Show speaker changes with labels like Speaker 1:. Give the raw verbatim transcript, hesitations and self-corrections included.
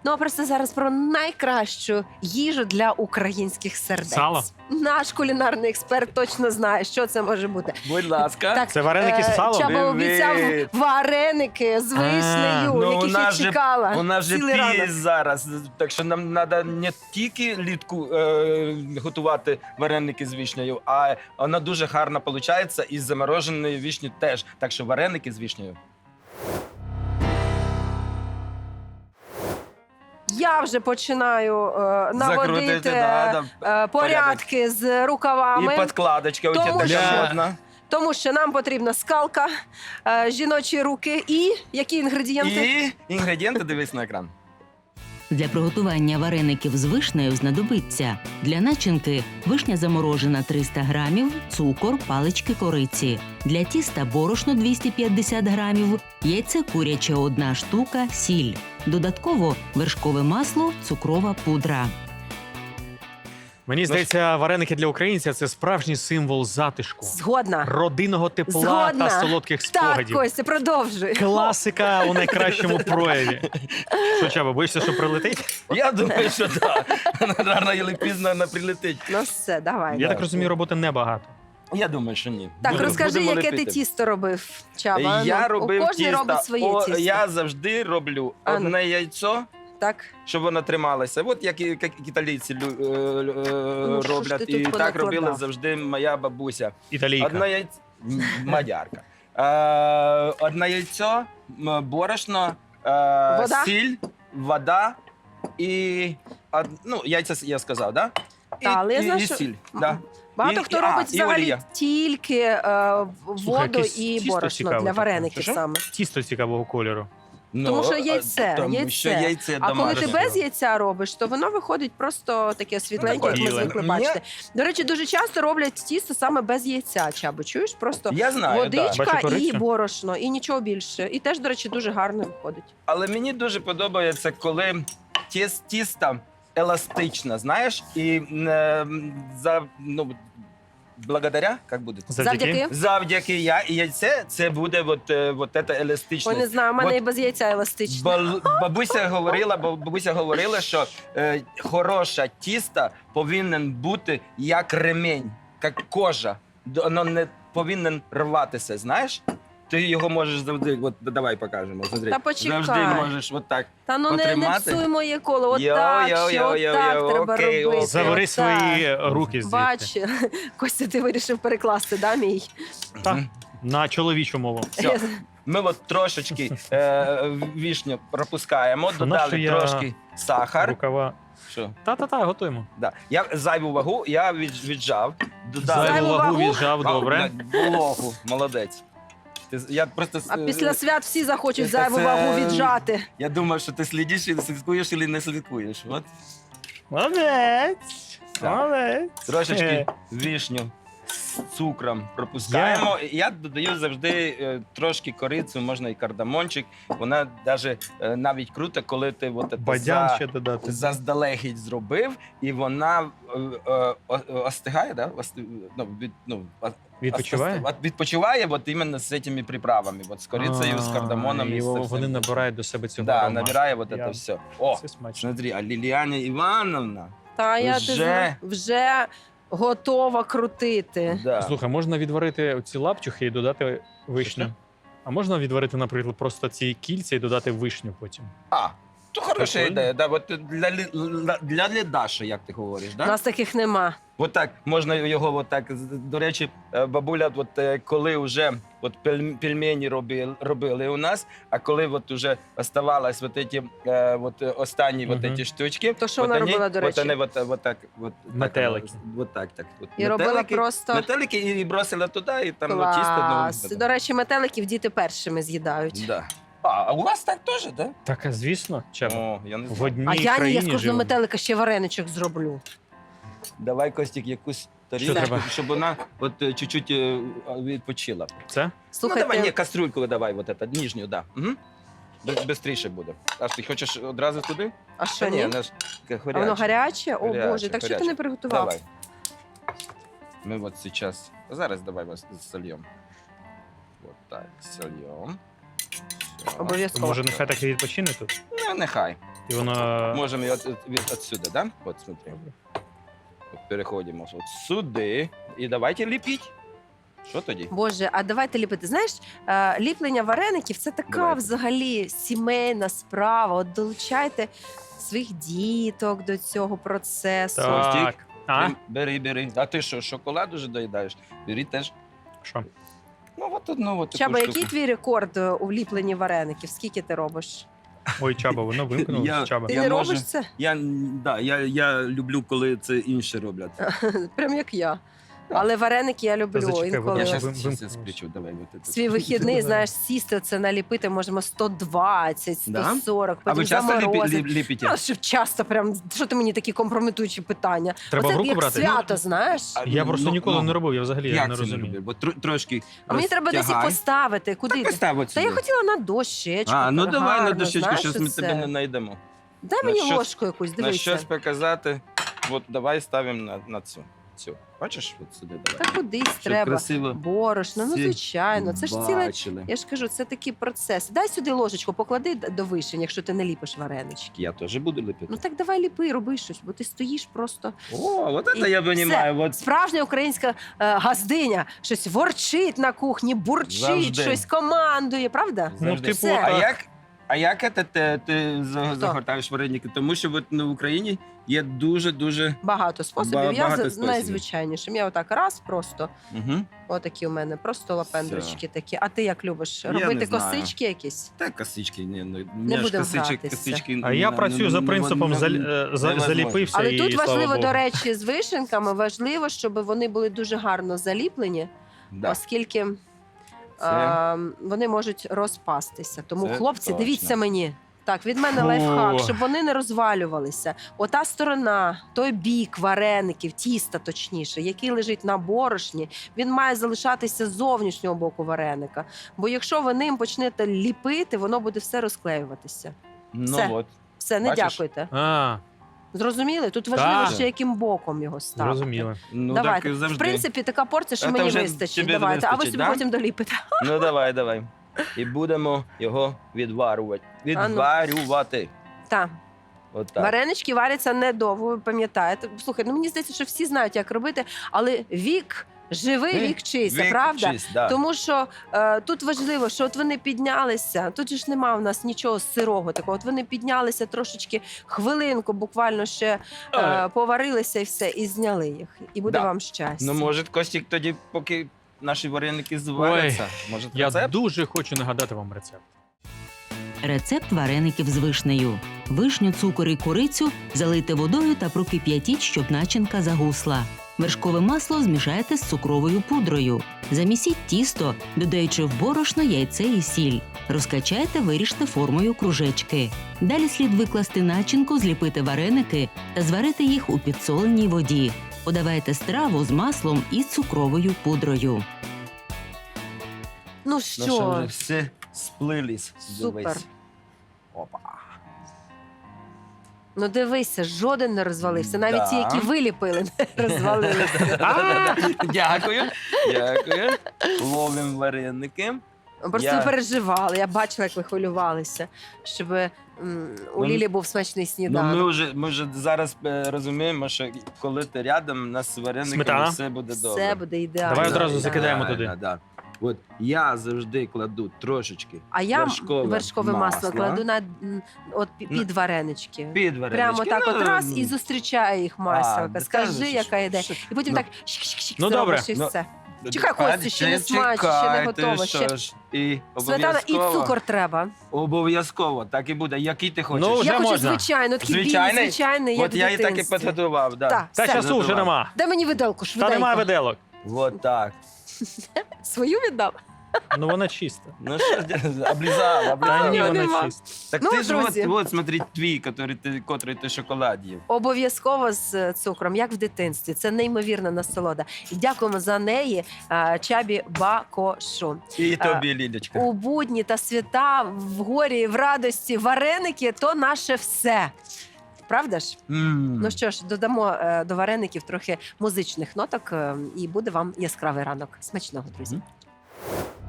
Speaker 1: Ну, а просто зараз про найкращу їжу для українських сердець.
Speaker 2: Сало?
Speaker 1: Наш кулінарний експерт точно знає, що це може бути.
Speaker 3: Будь ласка.
Speaker 1: Так,
Speaker 2: Це вареники з салом?
Speaker 1: Чаба обіцяв
Speaker 3: Привіт.
Speaker 1: вареники з вишнею,
Speaker 3: Ну, у
Speaker 1: яких я
Speaker 3: нас же,
Speaker 1: чекала.
Speaker 3: у нас же
Speaker 1: цілий ранок.
Speaker 3: піс зараз, так що нам треба не тільки літку е, готувати вареники з вишнею, а вона дуже гарно виходить і з замороженої вишні теж. Так що вареники з вишнею.
Speaker 1: Я вже починаю е, наводити
Speaker 3: Закрутити, да, да.
Speaker 1: е, порядки з рукавами.
Speaker 3: І подкладочка у
Speaker 1: Тому
Speaker 3: тебе
Speaker 1: що-
Speaker 3: така модна.
Speaker 1: Тому що нам потрібна скалка, е, жіночі руки і які інгредієнти?
Speaker 3: І інгредієнти дивись на екран.
Speaker 4: Для приготування вареників з вишнею знадобиться для начинки вишня заморожена триста грамів, цукор, палички кориці. Для тіста борошно двісті п'ятдесят грамів, яйце куряче одна штука, сіль. Додатково вершкове масло, цукрова пудра.
Speaker 2: Мені здається, вареники для українців – це справжній символ затишку,
Speaker 1: Згодна.
Speaker 2: родинного тепла
Speaker 1: Згодна.
Speaker 2: та солодких
Speaker 1: Так,
Speaker 2: спогадів.
Speaker 1: Костя, продовжуй.
Speaker 2: Класика у найкращому прояві. Що, Чаба, боїшся, що прилетить?
Speaker 3: Я думаю, що так. Рано і пізно вона прилетить.
Speaker 1: Ну все, давай.
Speaker 2: Я так розумію, роботи небагато.
Speaker 3: Я думаю, що ні.
Speaker 1: Так,
Speaker 3: Будемо-
Speaker 1: розкажи,
Speaker 3: будемо
Speaker 1: яке ти
Speaker 3: лепити.
Speaker 1: тісто робив, Чаба?
Speaker 3: Я
Speaker 1: Ну,
Speaker 3: робив
Speaker 1: у кожний
Speaker 3: тісто.
Speaker 1: робить своє
Speaker 3: О,
Speaker 1: тісто.
Speaker 3: Я завжди роблю
Speaker 1: А ну.
Speaker 3: одне яйцо,
Speaker 1: Так.
Speaker 3: щоб воно трималося. От як, і- як італійці лю- е, е,
Speaker 1: Ну, що ж
Speaker 3: роблять.
Speaker 1: ти
Speaker 3: І
Speaker 1: тут
Speaker 3: так
Speaker 1: понакладав?
Speaker 3: робила завжди моя бабуся.
Speaker 2: Італійка.
Speaker 3: Одне яйцо. М, Мадярка. Е, Одне яйцо, м, борошно, е,
Speaker 1: Вода?
Speaker 3: сіль, вода і од- ну, яйця я сказав, да? І,
Speaker 1: Та, але я
Speaker 3: і,
Speaker 1: знаю,
Speaker 3: і
Speaker 1: що-
Speaker 3: сіль. Да.
Speaker 1: Багато
Speaker 3: І-
Speaker 1: хто
Speaker 3: і-
Speaker 1: робить
Speaker 3: а, і
Speaker 1: взагалі
Speaker 3: олія.
Speaker 1: тільки е,
Speaker 2: Слухай,
Speaker 1: воду
Speaker 2: якесь
Speaker 1: і
Speaker 2: тісто
Speaker 1: борошно
Speaker 2: цікаве
Speaker 1: для
Speaker 2: таке.
Speaker 1: вареників
Speaker 3: Що?
Speaker 1: саме.
Speaker 2: Тісто цікавого кольору.
Speaker 3: Ну,
Speaker 1: Тому що
Speaker 3: а,
Speaker 1: яйце,
Speaker 3: тому
Speaker 1: яйце.
Speaker 3: що яйце
Speaker 1: А коли ти
Speaker 3: домашнє.
Speaker 1: без яйця робиш, то воно виходить просто таке світленьке, як ми
Speaker 2: біле.
Speaker 1: звикли
Speaker 3: Ні.
Speaker 1: бачити. До речі, дуже часто роблять тісто саме без яйця, Чабо. Чуєш? Просто
Speaker 3: Я знаю, да.
Speaker 1: водичка
Speaker 2: Бачу
Speaker 1: і
Speaker 2: корицю.
Speaker 1: борошно, і нічого більше. І теж, до речі, дуже гарно виходить.
Speaker 3: Але мені дуже подобається, коли тіс, тісто еластичне, знаєш, і е, за, ну, благодаря, як буде?
Speaker 1: Завдяки.
Speaker 3: Завдяки я і яйце, це буде от, е, от це
Speaker 1: Ой,
Speaker 3: еластичне.
Speaker 1: не знаю, в мене
Speaker 3: От
Speaker 1: і без яйця еластично.
Speaker 3: Бал- бабуся говорила, бо бабуся говорила, що е, хороше тісто повинен бути як ремень, як кожа. Д- Воно не повинен рватися, знаєш? Ти його можеш завжди, от давай покажемо. Смотри.
Speaker 1: Та почекай.
Speaker 3: Завжди можеш от так.
Speaker 1: Та ну не, не
Speaker 3: потримати?
Speaker 1: псуй моє коло. От
Speaker 3: Йо,
Speaker 1: так,
Speaker 3: йо,
Speaker 1: ще
Speaker 3: йо,
Speaker 1: от
Speaker 3: йо,
Speaker 1: так
Speaker 3: йо,
Speaker 1: треба
Speaker 3: окей,
Speaker 1: робити.
Speaker 2: Забери
Speaker 1: отак.
Speaker 2: свої руки звідти.
Speaker 1: Бач, Костя, ти вирішив перекласти, да, мій?
Speaker 2: Так, на чоловічу мову.
Speaker 3: Все. Ми от трошечки е, вішню пропускаємо,
Speaker 2: Що,
Speaker 3: додали
Speaker 2: нащо я-
Speaker 3: трошки сахар.
Speaker 2: Рукава.
Speaker 3: Що?
Speaker 2: Та-та-та, готуємо.
Speaker 3: Да. Я зайву вагу, я від, віджав. Додали
Speaker 2: Зайву
Speaker 1: Зайву
Speaker 2: вагу
Speaker 1: вагу?
Speaker 2: віджав, добре.
Speaker 3: Вологу, молодець. Ти, з- я просто с-
Speaker 1: А після свят всі захочуть
Speaker 3: це-
Speaker 1: зайву
Speaker 3: це-
Speaker 1: вагу віджати.
Speaker 3: Я думав, що ти слідиш, і слідкуєш, і не слідкуєш. От.
Speaker 2: Молодець.
Speaker 3: Так.
Speaker 2: Молодець.
Speaker 3: Трошечки вішню з цукром пропускаємо. Я, я додаю завжди е, трошки корицю, можна і кардамончик. Вона даже, е, навіть круто, коли ти от це
Speaker 2: Бадян
Speaker 3: за-
Speaker 2: ще додати.
Speaker 3: заздалегідь зробив, і вона е, е, о- остигає, да? Ости- ну, від, ну, о-
Speaker 2: Відпочиває?
Speaker 3: От відпочиває от іменно з цими приправами, от з корицею, з
Speaker 2: А,
Speaker 3: кардамоном.
Speaker 2: і
Speaker 3: з
Speaker 2: Вони
Speaker 3: цим.
Speaker 2: набирають до себе цього
Speaker 3: Да,
Speaker 2: аромату.
Speaker 3: набирає от
Speaker 2: Я-
Speaker 3: це все. О,
Speaker 2: Це смачно.
Speaker 3: смотри, а Ліліаня Івановна,
Speaker 1: Та я
Speaker 3: Вже?
Speaker 1: ти зна- вже готова крутити.
Speaker 3: да.
Speaker 2: Слухай, можна відварити ці лапчухи і додати вишню.
Speaker 3: Що?
Speaker 2: А можна відварити, наприклад, просто ці кільця і додати вишню потім.
Speaker 3: А, то хороша
Speaker 2: Прикольно.
Speaker 3: ідея. Да, от для, лі- для, для Даші, як ти говориш,
Speaker 1: У
Speaker 3: да?
Speaker 1: нас таких нема.
Speaker 3: От так, можна його от так. До речі, е, бабуля, от е, коли вже от пель- пельмені робили, робили у нас, а коли от уже оставалось от ці, е, от е, останні
Speaker 2: Мгм.
Speaker 3: от ці штучки,
Speaker 1: То що
Speaker 3: от
Speaker 1: вона
Speaker 3: вони-
Speaker 1: робила, до
Speaker 3: От
Speaker 1: речі?
Speaker 3: вони от, от так, от,
Speaker 2: Метелики.
Speaker 3: Так, от так, так. От,
Speaker 1: І робила просто
Speaker 3: Метелики і бросила туди, і там ну, тісто.
Speaker 1: клас.
Speaker 3: Ну,
Speaker 1: До речі, метеликів діти першими з'їдають.
Speaker 3: да. А, а у вас так теж, так? Да?
Speaker 2: Так, а звісно, Чаба.
Speaker 3: О, я не
Speaker 2: В
Speaker 3: знаю.
Speaker 2: одній
Speaker 1: А я ні, я з
Speaker 2: країні
Speaker 1: кожного
Speaker 2: живемо.
Speaker 1: метелика ще вареничок зроблю.
Speaker 3: Давай, Костік, якусь тарілочку,
Speaker 2: треба?
Speaker 3: щоб вона от е, чуть-чуть е, відпочила.
Speaker 2: Це?
Speaker 1: Слухайте,
Speaker 3: Ну, давай, ні, кастрюльку давай, вот это, нижню, да. Угу. Бистріше буде. Аж ти хочеш одразу туди?
Speaker 1: а що
Speaker 3: Та ні,
Speaker 1: ні?
Speaker 3: вона ж таке
Speaker 1: А воно
Speaker 3: гаряче.
Speaker 1: гаряче? О
Speaker 3: Гаряче,
Speaker 1: Боже, так що ти
Speaker 3: гаряче.
Speaker 1: не приготував?
Speaker 3: Давай. Ми от зараз, зараз давай вас сольємо. Вот так, сольємо. Все.
Speaker 1: Обов'язково.
Speaker 2: Може, нехай так і відпочине тут?
Speaker 3: Ну, нехай.
Speaker 2: І воно.
Speaker 3: Можемо його от, від, отсюди, да? От, смотри. От переходимо от сюди. І давайте ліпіть. Що тоді?
Speaker 1: Боже, а давайте ліпити. Знаєш, е, ліплення вареників це така
Speaker 3: Давайте.
Speaker 1: взагалі сімейна справа. От долучайте своїх діток до цього процесу.
Speaker 2: Так. А?
Speaker 3: Ти Бери, бери. А ти що, шоколад уже доїдаєш? Бери теж.
Speaker 2: Що?
Speaker 3: Ну, от одну от таку
Speaker 1: Чаба,
Speaker 3: штуку.
Speaker 1: який твій рекорд е, у ліпленні вареників? Скільки ти робиш?
Speaker 2: Ой, Чаба, воно вимкнулося.
Speaker 3: Я-
Speaker 2: Чаба.
Speaker 1: Ти
Speaker 3: Я
Speaker 1: не
Speaker 3: можу-
Speaker 1: робиш це?
Speaker 3: Я, да, я, я люблю, коли це інші роблять.
Speaker 1: Прям як я. Але вареники я люблю.
Speaker 2: зачекай,
Speaker 1: Інколи
Speaker 3: Я
Speaker 2: Вим-
Speaker 3: зараз
Speaker 2: вимкнувся.
Speaker 3: сплічу, давай. От це.
Speaker 1: свій вихідний, знаєш, сісти це наліпити можемо сто двадцять, сто
Speaker 3: Да?
Speaker 1: сорок,
Speaker 3: А ви
Speaker 1: потім
Speaker 3: часто ліпі,
Speaker 1: заморозити.
Speaker 3: ліп, ліпите?
Speaker 1: Ну, щоб часто прям, що ти мені такі компрометуючі питання?
Speaker 2: Треба
Speaker 1: Оце
Speaker 2: в руку
Speaker 1: як
Speaker 2: брати?
Speaker 1: свято, знаєш?
Speaker 3: А,
Speaker 2: Я просто
Speaker 3: ну,
Speaker 2: ніколи
Speaker 3: ну,
Speaker 2: не робив, я взагалі
Speaker 3: Як
Speaker 2: не
Speaker 3: це не
Speaker 2: розумію.
Speaker 3: робив? Бо тр- трошки
Speaker 1: А мені треба десь їх
Speaker 3: розтягай.
Speaker 1: поставити. Куди?
Speaker 3: Так
Speaker 1: ти?
Speaker 3: постав от
Speaker 1: Та я
Speaker 3: сюди.
Speaker 1: хотіла на дощечку.
Speaker 3: А, ну
Speaker 1: так
Speaker 3: давай на
Speaker 1: гарно,
Speaker 3: дощечку,
Speaker 1: знаєш,
Speaker 3: щось ми
Speaker 1: оце.
Speaker 3: тебе не знайдемо.
Speaker 1: Дай
Speaker 3: на
Speaker 1: мені
Speaker 3: щось-
Speaker 1: ложку якусь,
Speaker 3: На
Speaker 1: дивися.
Speaker 3: щось показати. От давай ставимо на, на цю. цю. Бачиш, от сюди давай.
Speaker 1: Та кудись
Speaker 3: Щоб
Speaker 1: треба.
Speaker 3: красиво
Speaker 1: Борошно, ну
Speaker 3: всі
Speaker 1: звичайно. Це ж ціле.
Speaker 3: бачили.
Speaker 1: Я ж кажу, це такий процес. Дай сюди ложечку, поклади д- до вишень, якщо ти не ліпиш варенички.
Speaker 3: Я теж буду ліпити.
Speaker 1: Ну так давай ліпи, роби щось, бо ти стоїш просто.
Speaker 3: О, от
Speaker 1: І
Speaker 3: це я розумію. От
Speaker 1: Справжня українська е, газдиня щось ворчить на кухні, бурчить,
Speaker 3: Завжди.
Speaker 1: щось командує, правда?
Speaker 2: Ну,
Speaker 3: завжди.
Speaker 2: типу,
Speaker 1: Все.
Speaker 3: А
Speaker 2: так.
Speaker 3: як, а як це ти, ти за-
Speaker 1: Хто?
Speaker 3: загортаєш вареники? Тому що от, ну, в Україні є дуже-дуже...
Speaker 1: Багато способів.
Speaker 3: Ба-
Speaker 1: я
Speaker 3: багато
Speaker 1: за-
Speaker 3: способів.
Speaker 1: найзвичайнішим. Я отак раз просто.
Speaker 3: Угу.
Speaker 1: Отакі у мене, просто лапендрочки такі. А ти як любиш?
Speaker 3: Я
Speaker 1: Робити
Speaker 3: не знаю.
Speaker 1: косички якісь?
Speaker 3: Та косички, ні, ну,
Speaker 1: Не
Speaker 3: ж
Speaker 1: будемо
Speaker 3: косичок,
Speaker 1: гратися.
Speaker 3: косички...
Speaker 2: А я
Speaker 3: ну,
Speaker 2: працюю
Speaker 3: ну,
Speaker 2: за
Speaker 3: ну,
Speaker 2: принципом
Speaker 3: ну,
Speaker 2: зал- е, за-
Speaker 3: невозможно.
Speaker 2: заліпився
Speaker 1: Але
Speaker 2: і
Speaker 1: тут
Speaker 2: слава
Speaker 1: важливо,
Speaker 2: Богу.
Speaker 1: до речі, з вишенками важливо, щоб вони були дуже гарно заліплені,
Speaker 3: Да.
Speaker 1: оскільки
Speaker 3: Це-
Speaker 1: а, вони можуть розпастися. Тому,
Speaker 3: Це
Speaker 1: хлопці,
Speaker 3: точно.
Speaker 1: дивіться мені. Так, від мене
Speaker 2: Фу.
Speaker 1: лайфхак, щоб вони не розвалювалися. Ота сторона, той бік вареників, тіста точніше, який лежить на борошні, він має залишатися з зовнішнього боку вареника. Бо якщо ви ним почнете ліпити, воно буде все розклеюватися.
Speaker 3: Ну,
Speaker 1: Все.
Speaker 3: от.
Speaker 1: Все, не
Speaker 3: Бачиш?
Speaker 1: дякуйте.
Speaker 2: А,
Speaker 1: Зрозуміли? Тут важливо
Speaker 2: Так.
Speaker 1: ще яким боком його ставити.
Speaker 2: зрозуміло.
Speaker 3: Ну,
Speaker 1: Давайте.
Speaker 3: так завжди.
Speaker 1: В принципі, така порція, що
Speaker 3: Це
Speaker 1: мені
Speaker 3: вже
Speaker 1: вистачить.
Speaker 3: тобі
Speaker 1: Давайте, а ви
Speaker 3: вистачить,
Speaker 1: собі
Speaker 3: да?
Speaker 1: потім доліпите.
Speaker 3: Ну, давай, давай. І будемо його відварювати.
Speaker 1: А ну.
Speaker 3: Відварювати.
Speaker 1: Так.
Speaker 3: Отак.
Speaker 1: Варенички варяться недовго, ви пам'ятаєте. Слухай, ну мені здається, що всі знають, як робити, але вік живий,
Speaker 3: Вік-
Speaker 1: вік чийся,
Speaker 3: Вік
Speaker 1: правда?
Speaker 3: чисть, да.
Speaker 1: Тому що е, тут важливо, що от вони піднялися. Тут же ж нема в нас нічого сирого такого. От вони піднялися трошечки, хвилинку, буквально ще е,
Speaker 3: Але-
Speaker 1: поварилися і все, і зняли їх. І буде
Speaker 3: Да.
Speaker 1: вам щастя.
Speaker 3: Ну, може, Костік тоді, поки наші вареники зваряться. Може,
Speaker 2: Я
Speaker 3: рецепт?
Speaker 2: дуже хочу нагадати вам рецепт.
Speaker 4: Рецепт вареників з вишнею. Вишню, цукор і курицю залийте водою та прокип'ятіть, щоб начинка загусла. Вершкове масло змішайте з цукровою пудрою. Замісіть тісто, додаючи в борошно яйце і сіль. Розкачайте, виріжте формою кружечки. Далі слід викласти начинку, зліпити вареники та зварити їх у підсоленій воді. Подавайте страву з маслом і цукровою пудрою.
Speaker 1: Ну
Speaker 3: Ну,
Speaker 1: що,
Speaker 3: що вже все сплились.
Speaker 1: Супер.
Speaker 3: Дивись. Опа.
Speaker 1: ну дивися, жоден не розвалився. Навіть ті,
Speaker 3: Да.
Speaker 1: які виліпили, не розвалилися.
Speaker 3: А, Дякую. Дякую. Ловимо вареники.
Speaker 1: Просто
Speaker 3: Я-
Speaker 1: ви переживали. Я бачила, як ви хвилювалися, щоб м, у
Speaker 3: Ну,
Speaker 1: Лілі був смачний
Speaker 3: Ну, ми
Speaker 1: сніданок.
Speaker 3: вже, ми вже зараз е, розуміємо, що коли ти рядом, у нас з варениками
Speaker 2: Сметана?
Speaker 3: все буде добре.
Speaker 1: Все буде ідеально.
Speaker 2: Давай одразу
Speaker 1: Да.
Speaker 2: закидаємо
Speaker 3: Да,
Speaker 2: туди.
Speaker 3: Да, да. От я завжди кладу трошечки
Speaker 1: А я
Speaker 3: вершкове
Speaker 1: вершкове, масло,
Speaker 3: масло.
Speaker 1: кладу на м, от пі-
Speaker 3: Ну,
Speaker 1: під варенички.
Speaker 3: під варенички.
Speaker 1: Прямо так
Speaker 3: Ну,
Speaker 1: от раз і зустрічає їх масло.
Speaker 3: да,
Speaker 1: Скажи,
Speaker 3: та,
Speaker 1: яка ідея.
Speaker 3: що-
Speaker 1: І потім
Speaker 3: ну,
Speaker 1: так щик-щик-щик
Speaker 2: Ну,
Speaker 1: зробиш
Speaker 2: добре.
Speaker 1: і
Speaker 3: Ну,
Speaker 1: все. Чекай, Костю, ще не
Speaker 3: Чекайте,
Speaker 1: смачно, ще не готово,
Speaker 3: що
Speaker 1: ще-
Speaker 3: ж. І
Speaker 1: Сметана і
Speaker 3: обов'язково-
Speaker 1: цукор треба.
Speaker 3: Обов'язково, так і буде. Який ти хочеш?
Speaker 2: Ну, Вже
Speaker 1: я хочу
Speaker 2: можна.
Speaker 1: звичайно, такий білий,
Speaker 3: Звичайний?
Speaker 1: звичайний, як
Speaker 3: От я
Speaker 1: в
Speaker 3: і так і
Speaker 1: дитинстві.
Speaker 3: підготував. Да.
Speaker 1: Так.
Speaker 2: Та
Speaker 1: Все.
Speaker 2: часу вже нема.
Speaker 1: Дай мені виделку,
Speaker 2: Та
Speaker 1: швиденько.
Speaker 2: немає виделок.
Speaker 3: От так.
Speaker 1: Свою віддав?
Speaker 2: Ну вона чиста.
Speaker 3: Ну що, облізав,
Speaker 2: Та
Speaker 3: облізав.
Speaker 2: ні,
Speaker 1: нього
Speaker 2: вона
Speaker 1: нема.
Speaker 2: чиста.
Speaker 3: Так
Speaker 1: Ну,
Speaker 3: ти ж от,
Speaker 1: друзі.
Speaker 3: от, смотри, твій, котрий ти, котрий ти шоколад їв.
Speaker 1: Обов'язково з е, цукром, як в дитинстві. Це неймовірна насолода. І дякуємо за неї е, Чабі Бакошу.
Speaker 3: І
Speaker 1: А,
Speaker 3: тобі, Лілечка.
Speaker 1: У будні та свята, в горі, в радості, вареники то наше все. Правда ж?
Speaker 3: М.
Speaker 1: Ну що ж, додамо е, до вареників трохи музичних ноток, е, і буде вам яскравий ранок. Смачного, друзі.
Speaker 3: Мгм.